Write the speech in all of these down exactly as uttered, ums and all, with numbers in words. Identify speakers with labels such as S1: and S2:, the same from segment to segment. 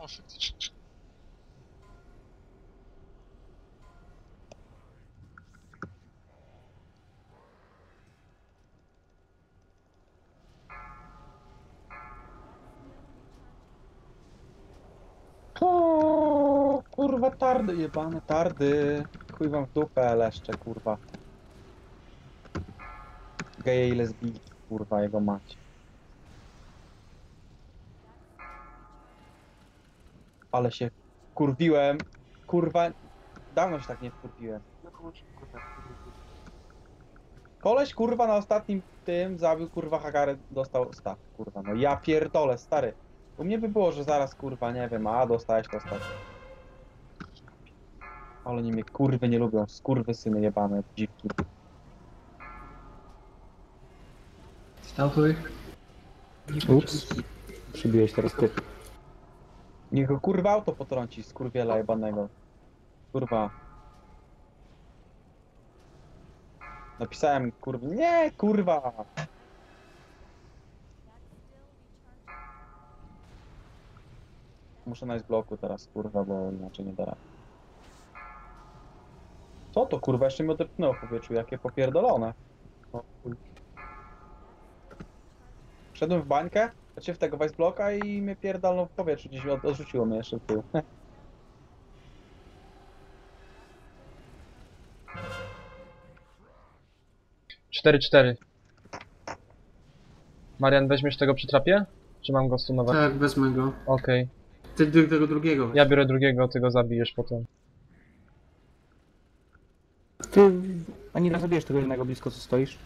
S1: No faktycznie.
S2: O, kurwa tardy, jebane tardy. Chuj wam w dupę, leszcze, kurwa. Geje i lesbijki, kurwa, jego mać. Ale się kurwiłem. Kurwa, dawno się tak nie wkurwiłem. Koleś, kurwa, na ostatnim tym zabił, kurwa, Hagarę, dostał staw, kurwa. No ja pierdolę, stary. U mnie by było, że zaraz, kurwa, nie wiem, a dostałeś to staw. Ale oni mnie, kurwy, nie lubią. Skurwysyny jebane, dziwki.
S3: Statuj.
S4: Ups. Przybiłeś teraz ty.
S2: Niech go, kurwa, auto potrąci, skurwiela jebanego. Kurwa. Napisałem, kurwa, nie, kurwa. Muszę najść bloku teraz, kurwa, bo inaczej nie da rady. Co to, kurwa, jeszcze mi odepchnęło w powietrzu, jakie popierdolone. O, chuj. Wszedłem w bańkę, znaczy w tego bloka i mnie pierdolną w powietrzu, gdzieś od, odrzuciło mnie jeszcze w tył.
S5: cztery cztery. Marian, weźmiesz tego przy trapie? Czy mam go stunować?
S3: Tak, wezmę go.
S5: Okej.
S3: Ty ty tego drugiego.
S5: Ja biorę drugiego, ty go zabijesz potem.
S4: Ty ani nie zabijesz tego jednego blisko, co stoisz.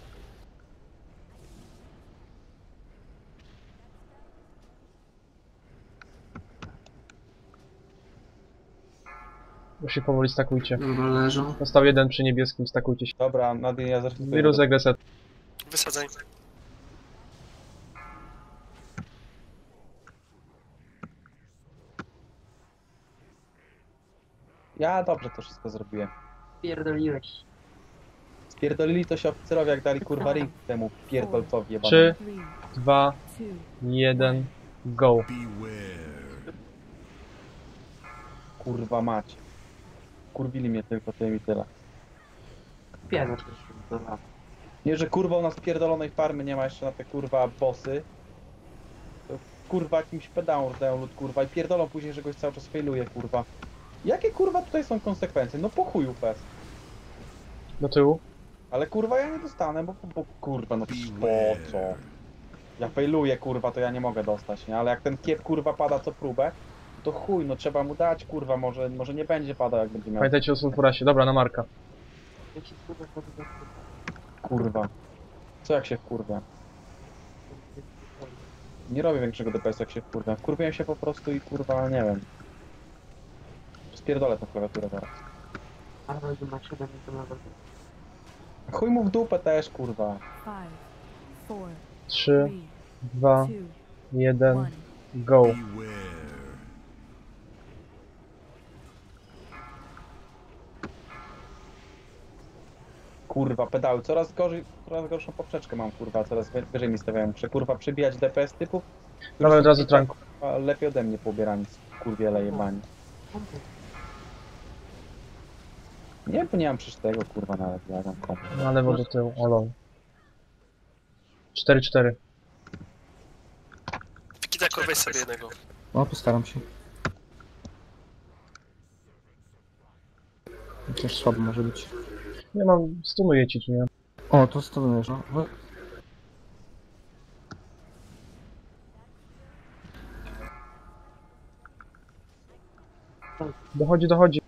S5: Już się powoli stakujcie.
S3: Dobra, leżą.
S5: Został jeden przy niebieskim, stakujcie się.
S2: Dobra, Nadine, ja zacznę.
S5: Wirus regreset.
S1: Wysadzaj.
S2: Ja dobrze to wszystko zrobiłem.
S6: Pierdoliłeś.
S2: Spierdolili to się oficerowie, jak dali kurwa ring temu pierdolcowi jebanemu.
S5: trzy, dwa, jeden, go.
S2: Kurwa mać. Kurwili mnie tylko tym i tyle.
S6: Pierdol się dobra.
S2: Nie, że kurwa u nas pierdolonej farmy nie ma jeszcze na te kurwa bossy. To kurwa jakimś pedałom dają lud kurwa i pierdolą później, że goś cały czas failuje kurwa. Jakie kurwa tutaj są konsekwencje? No po chuju fest.
S5: Do tyłu.
S2: Ale kurwa ja nie dostanę, bo, bo kurwa no przecież po co? Ja failuję kurwa, to ja nie mogę dostać, nie? Ale jak ten kiep kurwa pada co próbę, to chuj, no trzeba mu dać kurwa, może, może nie będzie padał jak będzie miał.
S5: Pamiętajcie o sulfurasie. Dobra, na Marka.
S6: Jak się kurwa zrobię,
S2: Kurwa. Co jak się wkurwia? Nie robię większego D P S jak się wkurwia. Wkurwiłem się po prostu i kurwa, nie wiem. Spierdolę tę klawiaturę zaraz.
S6: ale będzie na siedem to nawet.
S2: Chuj mu w dupę też kurwa.
S7: Five, four,
S5: trzy,
S7: three,
S5: dwa,
S7: two,
S5: jeden,
S7: one.
S5: go.
S2: Kurwa, pedały. Coraz gorzej, coraz gorszą poprzeczkę mam kurwa, coraz wy- wyżej mi stawiają. Muszę kurwa przybijać D P S typów. którzy
S5: Dawaj od
S2: są,
S5: razu
S2: kurwa,
S5: tranku.
S2: lepiej ode mnie poubierani, kurwiele jebani. Nie, bo nie mam przecież tego kurwa nawet, ja mam komplet.
S5: Na lewo do tyłu. O lol. cztery cztery.
S1: Wikidako, weź sobie jednego.
S4: No, postaram się. Chociaż słabo może być.
S5: Nie mam, stunuję ci tu, nie?
S4: O, to stonujesz, no. no.
S5: Dochodzi, dochodzi.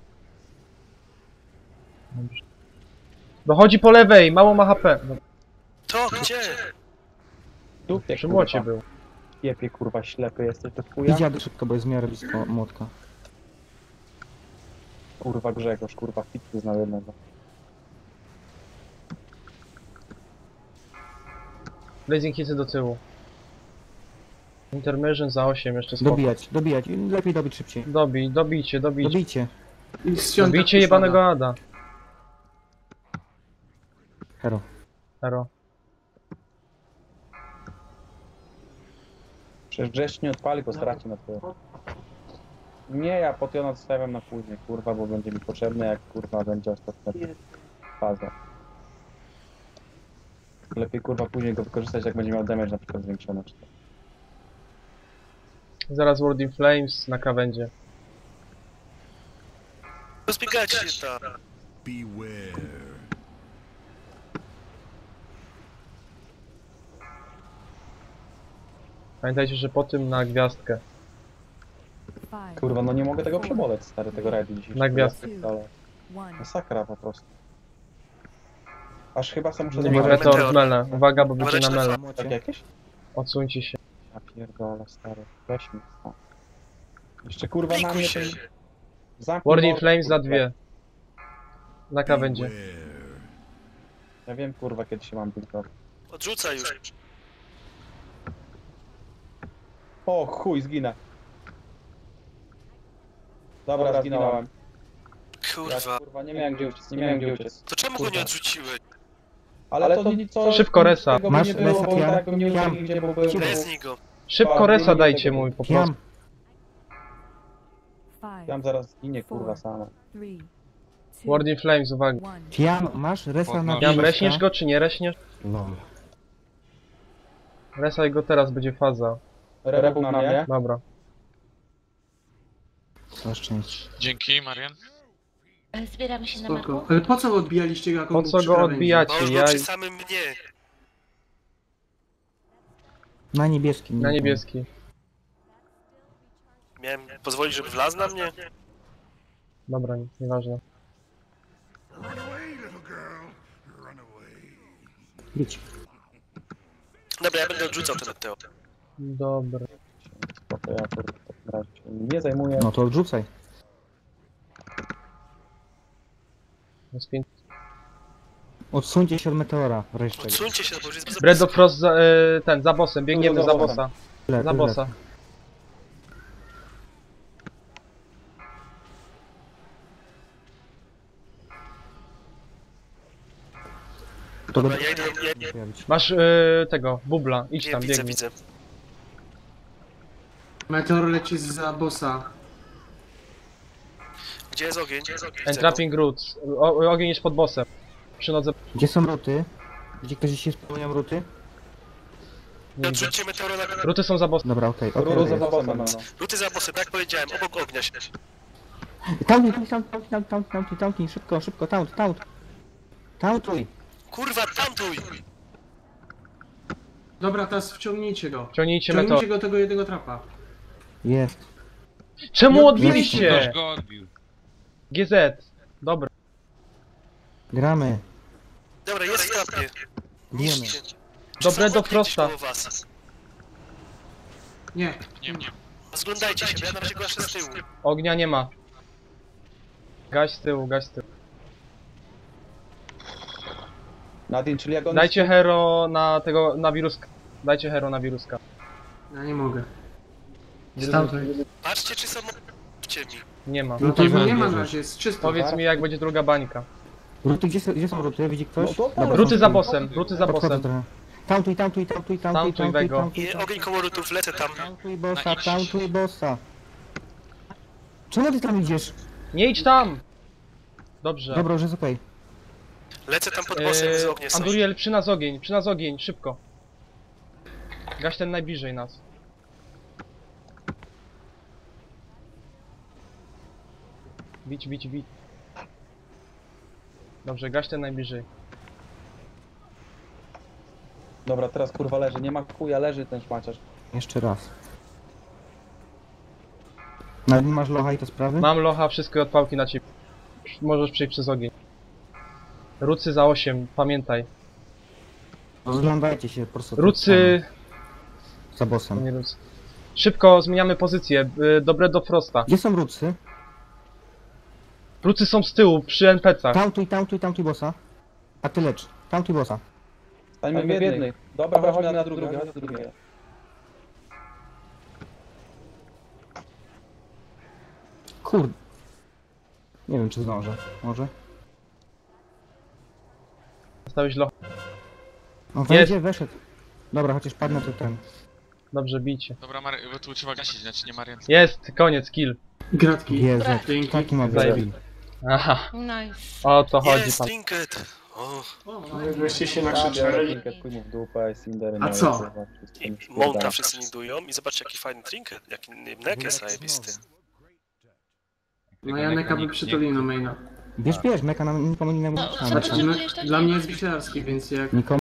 S5: Dobrze. Dochodzi po lewej, mało ma H P. No,
S1: To, gdzie?
S2: Dupie
S5: przy młocie
S2: kurwa.
S5: był.
S2: Kiepie kurwa, ślepy jesteś do chuja.
S4: Idź jadę szybko, bo jest w miarę blisko młotka.
S2: Kurwa Grzegorz, kurwa fitu znał jednego.
S5: Blazing hity do tyłu. Intermission za osiem, jeszcze spoko.
S4: Dobijać, dobijać. Lepiej dobić szybciej.
S5: Dobij, dobijcie, dobijcie.
S4: Dobijcie.
S3: I z świątek
S5: Dobijcie
S3: już
S5: jebanego
S3: pada.
S5: Ada.
S4: Hero.
S5: Hero.
S2: Przecież Grzesz nie odpali, bo straci na twoje. Nie, ja potiona zostawiam na później, kurwa, bo będzie mi potrzebny, jak kurwa będzie ostatnia faza. Lepiej kurwa później go wykorzystać, jak będzie miał damage na przykład zwiększony. Czy to.
S5: Zaraz World in Flames na krawędzie.
S1: Rozbiegacie się tam.
S8: Beware.
S5: Pamiętajcie, że po tym na gwiazdkę.
S7: Five,
S2: Kurwa, no nie mogę tego przeboleć, stary, tego rajdu dzisiaj.
S5: Na gwiazdkę.
S7: one.
S2: Masakra po prostu. Aż chyba sam muszę
S5: Nie
S2: zrobić
S5: może
S1: meteor.
S5: to mele. Uwaga, bo będzie na
S1: Uważajcie
S5: mele.
S2: tak jakieś?
S5: Odsuńcie się.
S2: Ja pierdolę, stary, weź mi. O. Jeszcze kurwa na
S1: Pikuj
S2: mnie
S1: się.
S2: ten... Zamknij
S5: World in
S2: mordę,
S5: Flames za
S2: kurwa.
S5: dwie. Na krawędzie.
S8: Beware.
S2: Ja wiem kurwa kiedy się mam tylko.
S1: Odrzucaj już.
S2: O chuj, zginę. Dobra, zginąłem. Ja,
S1: Kurwa.
S2: kurwa, nie miałem gdzie uciec, nie miałem gdzie uciec.
S1: To czemu go nie odrzuciłeś?
S2: Ale to nic co...
S5: Szybko resa.
S2: Tego by
S4: Masz
S2: nie było,
S4: resa,
S2: bo
S4: Kian?
S2: tak bym nie uciekł
S4: Kian?
S2: nigdzie, bo byłem...
S1: Reznij go.
S5: Szybko resa dajcie mój po prostu.
S4: Kiam,
S7: Five,
S2: Tam zaraz zginie kurwa sama.
S7: three, two,
S5: World in Flames, uwaga.
S7: one.
S4: Kiam, masz resa na
S5: Kiam,
S4: bliska?
S5: reśniesz go czy nie reśniesz?
S4: No.
S5: Resaj go teraz, będzie faza.
S2: Rebuł na mnie.
S5: Dobra.
S4: Na szczęście.
S9: Dzięki, Marian.
S10: Zbieramy się na
S3: Spoko.
S10: maku.
S3: Ale po co odbijaliście go, jak on
S5: Po
S3: był
S5: co
S3: przy
S5: go
S3: krawędzi?
S5: odbijacie?
S1: Bo już
S5: Ja
S1: był przy samym mnie.
S4: Na niebieskim.
S5: na
S4: nie
S5: niebieski.
S1: Miałem pozwolić, żeby wlazł na mnie?
S5: Dobra, nic, nieważne.
S8: Run away, little girl. Run away.
S4: wiem. Idź.
S1: Dobra, ja będę odrzucał ten Teo.
S5: Dobra.
S2: Spoko, ja kurwa w takim razie się nie zajmuję.
S4: No to odrzucaj.
S5: Jest pięć.
S4: Odsuńcie się od meteora wreszcie.
S1: Odsuńcie się, bo już jest bez
S5: Bredo Frost za, e, ten, za bossem, biegniemy
S2: Za
S5: za
S2: bossem.
S5: bossa.
S4: Tyle,
S5: Za
S4: tyle.
S5: bossa.
S4: To
S1: Dobra,
S4: będzie
S1: ja idę, ja, ja,
S4: pojawić.
S5: Masz e, tego, bubla, idź
S1: nie,
S5: tam,
S1: widzę,
S5: biegnij.
S1: widzę.
S3: Meteor leci za bossa.
S1: Gdzie jest ogień? Gdzie jest ogień? Widzę go.
S5: Entrapping Roots. O, ogień jest pod bossem. Przy nodze.
S4: Gdzie są ruty? Gdzie ktoś się spełniał ruty?
S5: Nie widzę.
S1: Odrzućcie meteoro na...
S5: Ruty są za bossem.
S4: Dobra, okej, okej.
S2: Ruru za
S4: okej.
S2: bossem, no.
S1: Luty za bossem, tak jak powiedziałem, obok ognia się.
S4: Taunt, taunt, taunt, taunt, taunt, taunt, taunt, szybko, szybko, taunt, taunt. Tauntuj.
S1: Kurwa, tamtuj!
S3: Dobra, teraz wciągnijcie go.
S5: Ciągnijcie meteor.
S3: Wciągnijcie go tego jednego trapa.
S4: Jest.
S5: Czemu
S3: No,
S5: odbiliście?
S9: Ktoś go odbił.
S5: G Z. Dobra.
S4: Gramy.
S1: Dobra, jest w trapie.
S4: Bijemy.
S1: Niszczcie.
S5: Dobre
S1: Są
S5: do
S1: okna
S5: Frosta.
S1: gdzieś koło was.
S3: Nie.
S9: Nie, nie.
S1: Zglądajcie się, bo ja na razie gaszę z tyłu.
S5: Ognia nie ma. Gaś z tyłu, gaś z tyłu.
S2: Nadine, czyli jak on
S5: Dajcie hero na tego, na wiruska. Dajcie hero na wiruska.
S3: Ja nie mogę. Stamtąd.
S1: Patrzcie, czy są w ciemni.
S5: Nie ma.
S3: No to go nie ma na razie, jest czysto.
S5: Powiedz mi jak będzie druga bańka.
S4: Ruty, gdzie, są- gdzie są ruty? Widzi ktoś?
S2: No to-
S4: Dobra,
S5: Ruty
S4: są
S5: za
S4: tu.
S5: bossem, ruty za
S4: Podchodzę
S5: bossem.
S4: trochę. Tauntuj, tauntuj, tauntuj, tauntuj,
S5: Tauntuj
S4: tauntuj,
S5: Wego.
S4: tauntuj,
S1: I ogień koło rutów, lecę tam.
S4: tauntuj bossa,
S9: Na X.
S4: tauntuj bossa. Czemu ty tam idziesz?
S5: Nie idź tam! Dobrze.
S4: Dobra, już jest okej.
S1: Lecę tam pod bossem z ognia.
S5: Eee, Anduriel, przy nas ogień, przy nas ogień, szybko. Gaś ten najbliżej nas. Bić, bić, bić. Dobrze, gaś ten najbliżej.
S2: Dobra, teraz kurwa leży, nie ma chuja, leży ten szmaciarz.
S4: Jeszcze raz. No, nie masz locha i te sprawy?
S5: Mam locha, wszystkie odpałki na ciebie. Możesz przejść przez ogień. Rucy za osiem, pamiętaj.
S4: Rozglądajcie się po prostu.
S5: Rucy...
S4: Za
S5: To
S4: bossem.
S5: nie rucy. Szybko zmieniamy pozycję. y, Dobre do Frosta.
S4: Gdzie są rucy?
S5: Rucy są z tyłu, przy N P cach.
S4: Tauntuj, tauntuj, tauntuj bossa. A ty lecz. Tauntuj bossa.
S2: Stańmy w jednej. Dobra, chodźmy na drugie, chodź na drugie.
S4: Kurde. Nie wiem, czy zdążę. Może?
S5: Zostałeś locha.
S4: No wejdzie, weszedł. Dobra, chociaż padnę to ten.
S5: Dobrze, bijcie.
S9: Dobra, Marian, bo tu trzeba gasić, znaczy nie Marian.
S5: Jest, koniec, kill.
S3: Gratki.
S4: Jezu,
S3: Dzięki.
S4: taki ma
S5: Zajebi-
S4: być.
S5: Aha,
S10: Nice.
S5: o to chodzi
S1: Jest
S5: pan.
S1: trinket! O,
S9: Żeście się
S2: Biorę
S9: nakrzyczeli.
S2: trinket, chuj mu w dupę, Cindery.
S3: A
S2: moje,
S3: co?
S2: kurwa, wszystko
S1: i
S2: mi
S1: i Monta
S2: spierdala.
S1: wszyscy nidują i zobaczcie jaki fajny trinket, jaki nek jest zajebisty.
S3: No Janeka by przytulił na maina.
S4: Bierz, bierz, meka nam nikomu innemu
S10: No,
S4: nie
S10: co
S3: Znaczy,
S10: ty
S3: no,
S10: czujesz tak?
S3: dla mnie jest wisielski, więc jak...
S4: Nikomu